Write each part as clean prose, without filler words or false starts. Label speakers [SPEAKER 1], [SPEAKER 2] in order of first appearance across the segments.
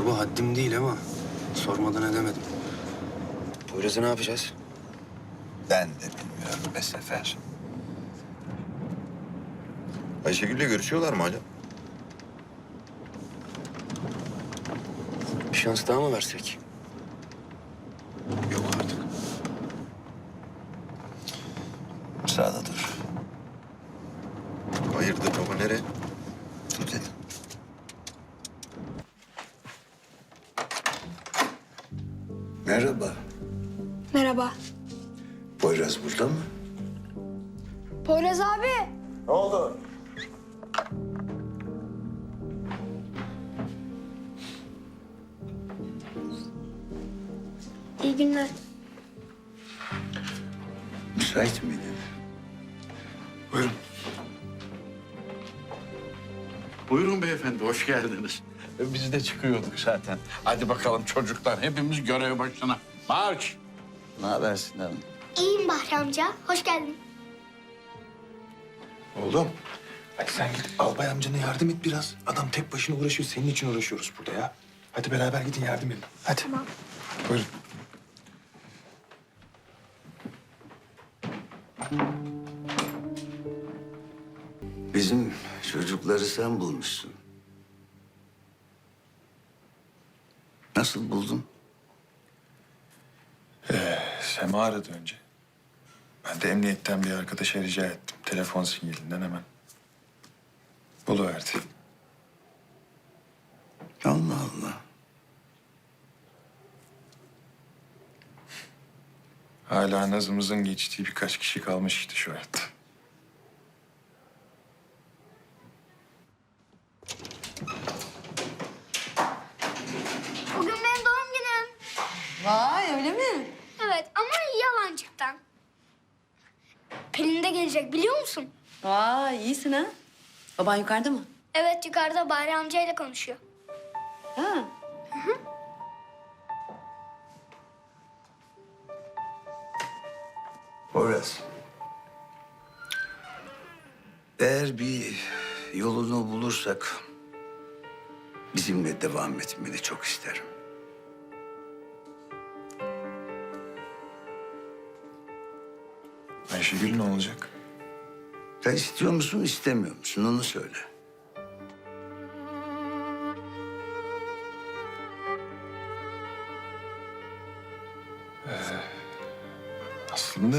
[SPEAKER 1] Baba haddim değil ama sormadan edemedim. Poyraz'ı ne yapacağız?
[SPEAKER 2] Ben de bilmiyorum be Sefer. Ayşegül'le görüşüyorlar mı hala?
[SPEAKER 1] Bir şans daha mı versek?
[SPEAKER 2] Yok artık. Sağda dur. Hayırdır baba, nereye? Dur dedim.
[SPEAKER 3] Merhaba.
[SPEAKER 4] Merhaba.
[SPEAKER 3] Poyraz burada mı?
[SPEAKER 4] Poyraz abi.
[SPEAKER 3] Ne oldu?
[SPEAKER 4] İyi günler.
[SPEAKER 3] Müsait miydin?
[SPEAKER 1] Buyurun.
[SPEAKER 5] Buyurun beyefendi, hoş geldiniz. Biz de çıkıyorduk zaten. Hadi bakalım çocuklar, hepimiz görev başına. Marş!
[SPEAKER 3] Ne haber Sinan?
[SPEAKER 4] İyiyim Bahri amca. Hoş geldin.
[SPEAKER 6] Oğlum, hadi sen git albay amcana yardım et biraz. Adam tek başına uğraşıyor, senin için uğraşıyoruz burada ya. Hadi beraber gidin yardım edin. Hadi.
[SPEAKER 4] Tamam.
[SPEAKER 6] Buyurun.
[SPEAKER 3] Bizim çocukları sen bulmuşsun. Nasıl buldun?
[SPEAKER 6] Sema aradı önce. Ben de emniyetten bir arkadaşa rica ettim. Telefon sinyalinden hemen. Buluverdi.
[SPEAKER 3] Allah Allah.
[SPEAKER 6] Hala nazımızın geçtiği birkaç kişi kalmış işte şu hayatta.
[SPEAKER 4] Bugün benim doğum günüm.
[SPEAKER 7] Vay öyle mi?
[SPEAKER 4] Evet ama yalancıktan. Pelin de gelecek biliyor musun?
[SPEAKER 7] Vay iyisin ha. Baban yukarıda mı?
[SPEAKER 4] Evet yukarıda Bahri amcayla konuşuyor.
[SPEAKER 7] Ha.
[SPEAKER 3] Poyraz. Eğer bir yolunu bulursak bizimle devam etmeni çok isterim.
[SPEAKER 6] Ayşegül ne olacak?
[SPEAKER 3] Sen istiyor musun, istemiyor musun? Onu söyle.
[SPEAKER 6] Aslında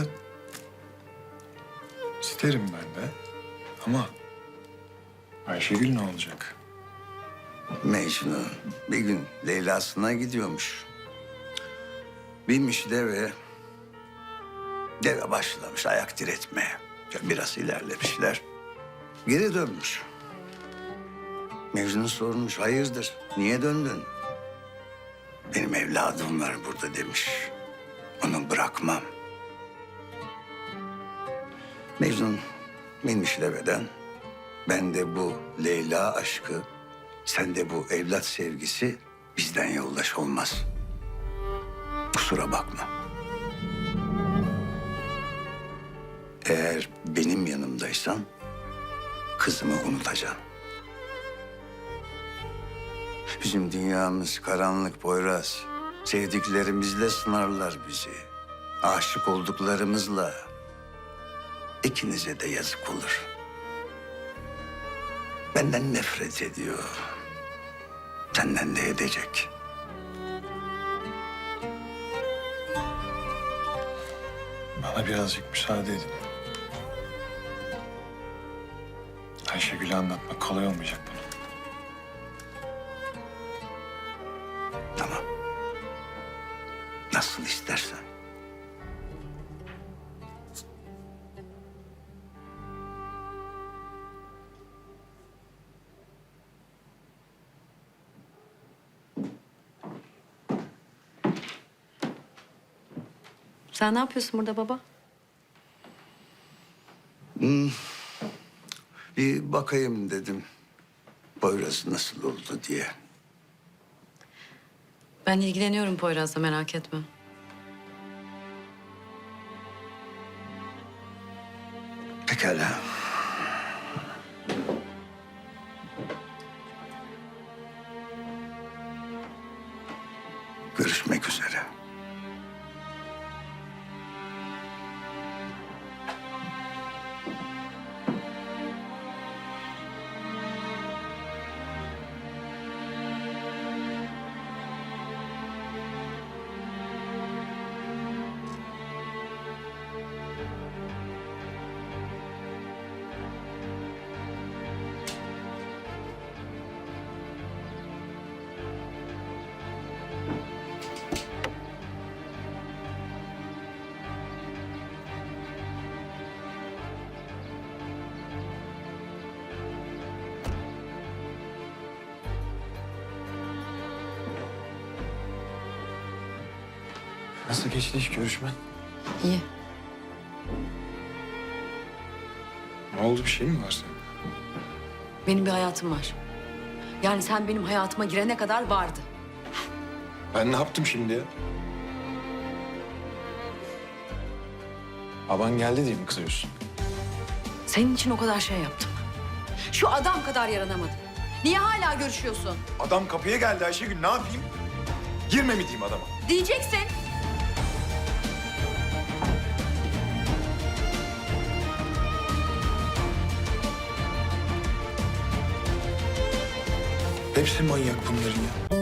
[SPEAKER 6] isterim ben de. Ama Ayşegül ne olacak?
[SPEAKER 3] Mecnun bir gün Leyla'sına gidiyormuş. Binmiş deve. Deve başlamış ayak diretmeye. Biraz ilerlemişler. Geri dönmüş. Mecnun sormuş, hayırdır, niye döndün? Benim evladım var burada demiş. Onu bırakmam. Mecnun binmiş deveden. Ben de bu Leyla aşkı, sen de bu evlat sevgisi bizden yoldaş olmaz. Kusura bakma. Eğer benim yanımdaysan kızımı unutacaksın. Bizim dünyamız karanlık Poyraz. Sevdiklerimizle sınarlar bizi. Aşık olduklarımızla. İkinize de yazık olur. Benden nefret ediyor. Senden de edecek.
[SPEAKER 6] Bana birazcık müsaade edin. Ayşegül'e anlatmak kolay olmayacak bunu.
[SPEAKER 3] Tamam. Nasıl istersen.
[SPEAKER 7] Sen ne yapıyorsun burada baba?
[SPEAKER 3] Bir bakayım dedim. Poyraz nasıl oldu diye.
[SPEAKER 7] Ben ilgileniyorum Poyraz'la merak etme.
[SPEAKER 3] Pekala. görüşmek üzere.
[SPEAKER 6] Nasıl geçti iş görüşmen?
[SPEAKER 7] İyi.
[SPEAKER 6] Ne oldu, bir şey mi var senin?
[SPEAKER 7] Benim bir hayatım var. Yani sen benim hayatıma girene kadar vardı.
[SPEAKER 6] Ben ne yaptım şimdi ya? Baban geldi diye mi kızıyorsun?
[SPEAKER 7] Senin için o kadar şey yaptım. Şu adam kadar yaranamadım. Niye hala görüşüyorsun?
[SPEAKER 6] Adam kapıya geldi Ayşegül, ne yapayım? Girme mi diyeyim adama?
[SPEAKER 7] Diyeceksin.
[SPEAKER 6] Hepsi manyak bunların ya.